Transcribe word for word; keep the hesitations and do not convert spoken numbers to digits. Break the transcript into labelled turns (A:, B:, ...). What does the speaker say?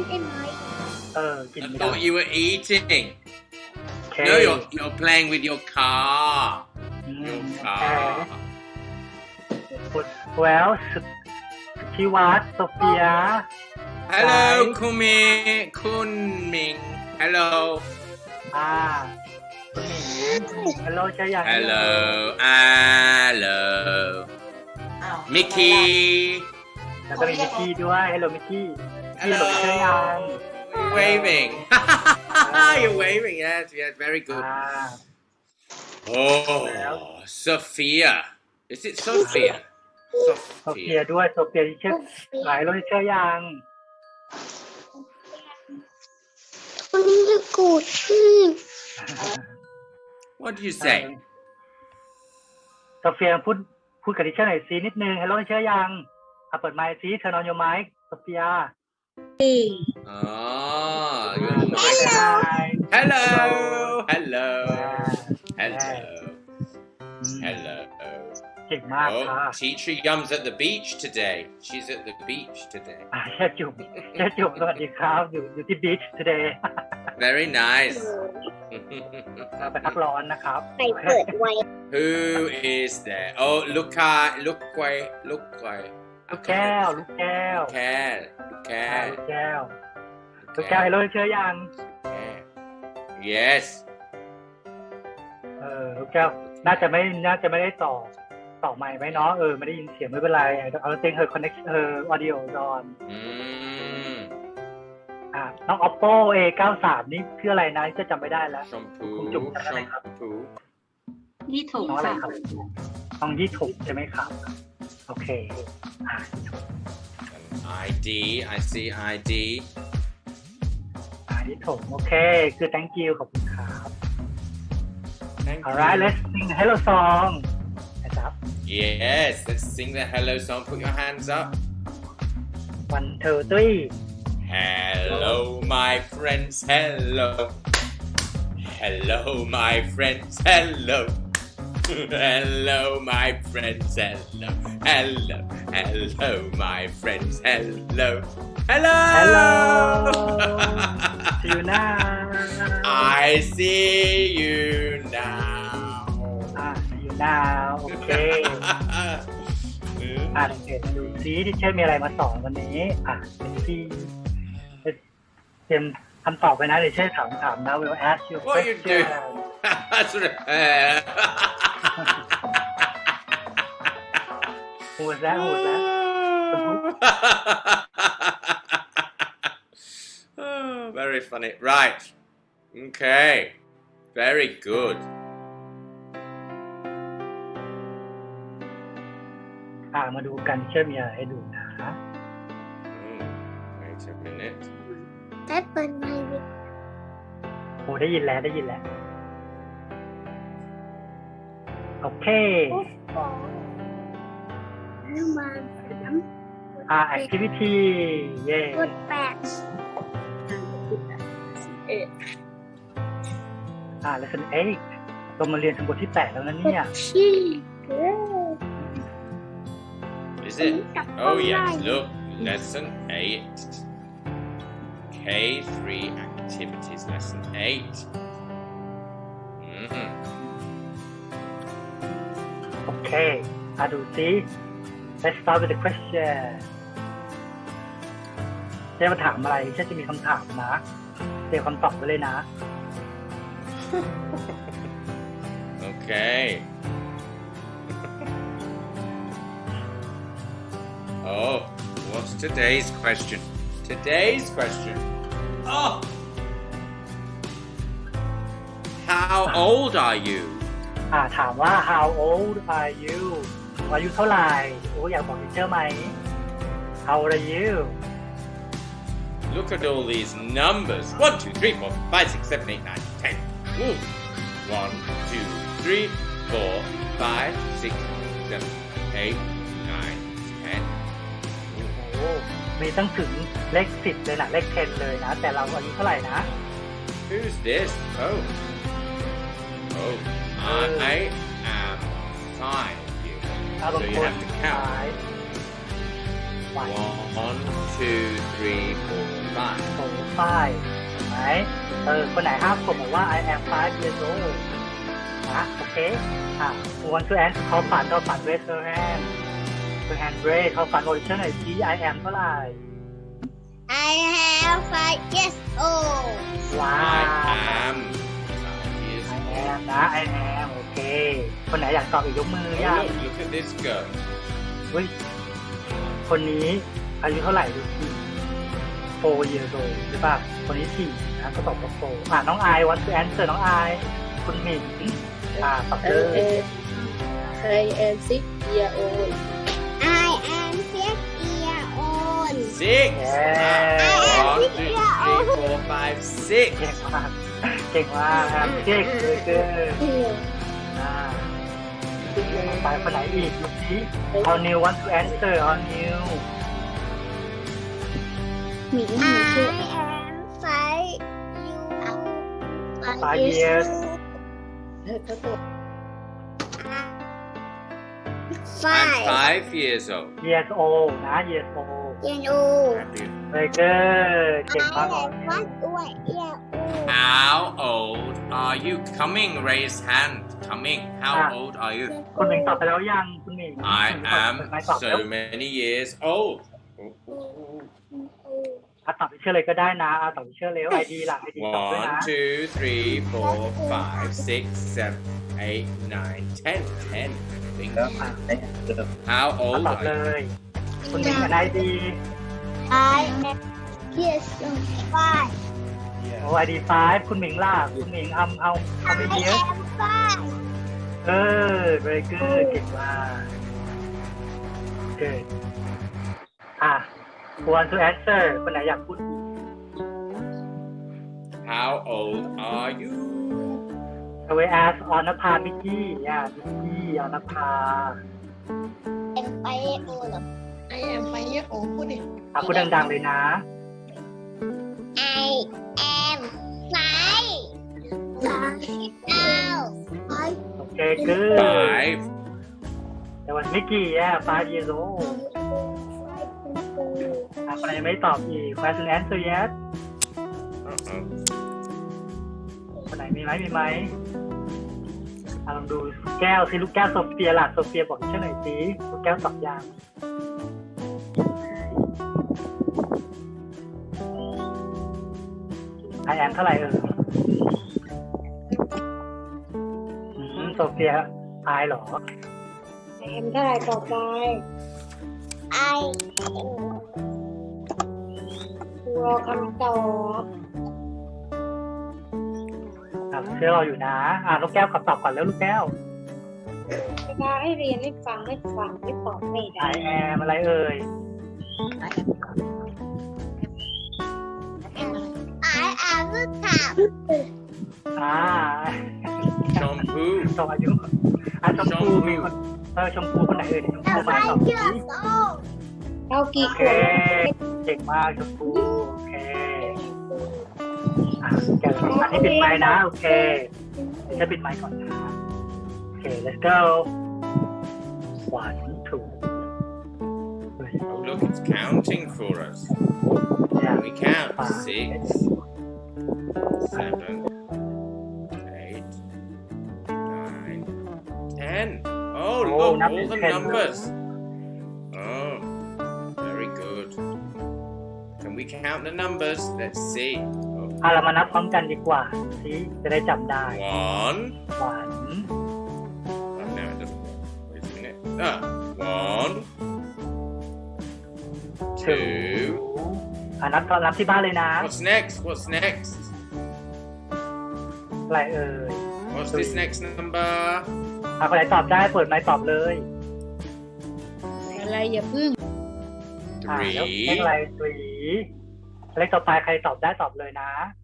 A: ได้ไหม
B: เออกิน
C: I
B: ไม่ได้
C: thought you were eating.
B: โอเค
C: No, you're you're playing with your car.
B: อืม
C: Your
B: โอเค
C: car.
B: แววสุดชิวัตโซเฟีย
C: Hello,
B: Hi.
C: Kumi, Kunming. Hello.
B: อ่าคุณหมิงฮัลโหลใช่ยัง
C: Hello. Hello.
A: อ้าว
C: Mickey.
B: แล้วก็มีมิกกี้ด้วยฮัลโหลมิกกี้พี่หลงใช่ยัง
C: Waving. You're waving. Yes, yes. Very good.
B: อ่า
C: Oh, Sophia. Is it Sophia?
B: โซเฟีย
C: Sophia.
B: ด้วยโซเฟียที่เชื่อหลายโลที่เชื่อยัง
A: คนนี้จะกูดอืม
C: What do you say?
B: โซเฟียพูดพูดกับดิเชอร์หน่อยซีนิดนึงฮัลโหลที่เชื่อยังอ่ะเปิดไมค์ซีเธอนอนอยู่ไหมโซเฟีย
C: Ah, your
B: ไ
C: mic.
B: ด้
C: Hello. Hello.
B: อ่า
C: Hello. Hello.
B: เก่งมากค่ะ
C: Oh, teacher Yum's at the beach today. She's at the beach today.
B: อ่าเชื่อจุ่มเชื่อจุ่มสวัสดีครับอยู่อยู่ที่บีช today
C: Very nice.
B: เราไปพักร้อนนะครับ
A: ใครเปิดไว้
C: Who is there? Oh, look at, look away, look away.
B: ลูกแก้วลูกแก้ว
C: Cat,
B: อ่า
C: cat,
B: ลูกแก้วลูกแก้วฮัลโหลที่เชื่อยัง
C: cat. Yes.
B: เออลูกแก้วน่าจะไม่น่าจะไม่ได้ต่อต่อไมค์ไหมเนาะเออไม่ได้ยินเสียงไม่เป็นไรเอาเต็งเฮอร์คอนเนคเฮอร์ออดิโอดอน
C: Mm.
B: อ่าน้อง oppo เอ เก้าสาม นี่ชื่ออะไรนะจะจำไม่ได้แล้ว
C: Shampoo,
B: Chung chungอะไรครับ
C: shampoo.
D: ยี่ถูก
B: น้องอะไร
D: ค่ะ
B: ครับน้องยี่ถูกใช่ไหมครับ โอเคอ่ายี่ถูก
C: An I D, I see I D.
B: อ่ายี่ถูกโอเค คือ thank you ขอบคุณครับ
C: Thank
B: alright
C: you.
B: let's sing hello song นะครับ
C: Yes, let's sing the hello song. Put your hands up.
B: one two three
C: Hello, my friends. Hello. Hello, my friends. Hello. Hello, my friends. Hello. Hello. Hello, my friends. Hello. Hello.
B: hello see you now
C: I see you now.
B: อ่า see you now โอเค อ่าเดี๋ยวดูซิที่เช่มีอะไรมาสอนวันนี้อ่ะเป็นที่เตรียมคำตอบไปนะเดี๋ยวเช่ถามถามนะ will ask you
C: What you
B: question
C: That's what.
B: หูดแล้วหูดแล้ว
C: Oh, very funny. Right. Okay. Very good.
B: อ่ามาดูกันเช่มีอะไรให้ดูนะ
C: Mm, wait a minute.
A: แต่เปิดไว้วิ
B: โอ้ได้ยินแล้วได้ยินแล้วโอเค
A: โอ้โหน้ำมันน้
B: อ่า activity เย่
A: ำกดแปดเอ็ด
B: อ่า lesson eight เรามาเรียนถึงบทที่แปดแล้วนะเนี่ย
A: ชี้เออ
C: Is it? Oh, yes. Look. Lesson eight. K three activities. Lesson eight. Mm-hmm.
B: โอเคอ่าดูซิ let's start with the question เจ๊มาถามอะไรเช่จะมีคำถามนะเตรียมคำตอบไว้เลยนะ
C: Okay. Oh, what's today's question? Today's question. Oh! How old are you?
B: อ่าถามว่า how old are you อายุเท่าไหร่โอ้อยากบอกทีเชอร์ไหม how old are you
C: Look at all these numbers. One, two, three, four, five, six, seven, eight, nine, ten. Ooh. One, two, three, four, five, six, seven, eight, nine, ten.
B: โอ้มีตั้งถึงเลขสิบเลยนะเลขสิบเลยนะ แต่เราอายุเท่าไหร่นะ
C: Who's this? Oh. Oh. I am five. You.
B: อ่าบาง
C: So
B: ค
C: you
B: น
C: have to count.
B: ซ้าย
C: One, two, three, four, five.
B: โอ้ป้ายเห็นไหมเออคนไหนห้ามผมบอกว่า I am five years old นะโอเคอ่ะ who want to answer เขาฝันเขาฝัน raise your hand your hand raise เขาฝันโอริจินหน่อยสิ I am เท่าไหร่
A: I have five years old
B: ว้า
C: I
B: ว
C: am five years
B: I
C: old.
B: am นะ I am โอเค คนไหนอยากตอบอีกยกมือ
C: Oh,
B: ยัง
C: look, look at this girl.
B: เฮ้ยคนนี้อายุเท่าไหร่ดูสิ four years old ใช่ป่ะคนนี้สี่นะก็ตอบว่า four อ่ะน้องไอ want to answer น้องไอคุณหมิงอ่าตอบเลย
A: I am six year old I am six year old
C: Six.
B: Yeah.
C: Ah, one, two, three, four, five, six.
B: เก่งมากเก่งมากครับเก่งเลยเกินอ่าไปคนไหนอีกดูสิเอา new want to answer เอา new
A: หมีหมีชื่อ I am five
B: five years
A: เขาตอบ
C: I'm five years old.
B: years old นะ years old
A: years old
C: Happy.
B: very good เก่งมาก
A: I am one year old
C: How old are you? Coming, raise hand. Coming. How
B: Ah.
C: old are you?
B: คุณหมิงตอบไปแล้วยังคุณหมิง
C: I
B: ไม่ตอบ
C: am
B: แล้ว
C: so many years old.
B: อ่ะตอบไปเชื่อเลยก็ได้นะอ่ะตอบไปเชื่อเร็ว ไอ ดี หลัง ไอ ดี ตอบด้วย
C: One,
B: นะ
C: two, three, four, five, six, seven, eight, nine, ten. Ten. Think.
B: อ่ะ
C: How
B: อ่ะ
C: old
B: ตอบ
C: are
B: เล
C: you?
B: ย คุณหมิงกับไอ ดี
A: I am years old five
B: โอ้ ไอ ดี five คุณหมิงล่ะคุณหมิงเอาเอาเอาไป
A: I
B: เยอะ
A: am five
B: เออ very good เก่งมาก good อ่ะ who want to answer คนไหนอยากพูด
C: How old are you?
B: เอาไว้ ask ออนภาบิกกี้อ่ะบิกกี้ออนภา
A: I am five years old I am five years old พูดดิ
B: อ่ะพูดดังๆเลยนะ
A: I am five five five
B: โอเค good
C: Five.
B: แต่วันมิกกี้อ่ะ five years old อ่ะคนไหนยังไม่ตอบอีก question answer yet
C: Uh-oh.
B: คนไหนมีไหมมีไหมอ่ะลองดูแก้วสิลูกแก้วโซเฟียล่ะโซเฟียบอกชื่อหน่อยสิลูกแก้วตอบยังไอแอนเท่าไหร่เอออืมโซเฟียอายเหรอ
A: I am เท่าไหร่ต่อไป I รอคำตอบ
B: อ่ะเชื่อเราอยู่นะอ่ะลูกแก้วขอตอบก่อนแล้วลูกแก้ว
A: เวลาให้เรียนให้ฟังให้ฟังให้ตอบไม่
B: ไอ
A: ได้
B: แอมอะไรเอ่ย
A: I am ลูกถาม
B: อ่า
C: Shampoo.
B: ตอบอายุอ่ะชมพูมีคนเออชมพูคนไหนเอ่ยชมพูมาตอบสิ
A: เอากี่
B: โอ
A: ค
B: เคน เก่งมากชมพูโอเคอ่ะเก่งอันนี้ปิดไมค์นะโอเคจะปิดไมค์ก่อนนะโอเค let's go one two
C: Oh, look, it's counting for us.
B: yeah
C: We count
B: five
C: six, seven, eight, nine, ten. Oh,
B: Oh,
C: look, all
B: number
C: the
B: ten.
C: numbers. Oh, very good. Can we count the numbers? Let's see.
B: อ่ะเรามานับพร้อมกันดีกว่าสิจะได้จำได้
C: One.
B: one
C: Oh, no, it doesn't work. Wait a minute. Ah, one, two.
B: อ่ะนับตอนนับที่บ้านเลยนะ
C: What's next? What's next?
B: อะไรเอ่ย
C: What's this next number?
B: อ่ะคนไหนตอบได้เปิดไมค์ตอบเลย
A: อะไรอย่าพึ่ง
B: อ่ะแล้วเลข
C: Three.
B: อะไร three เลขต่อไปใครตอบได้ตอบเลยนะ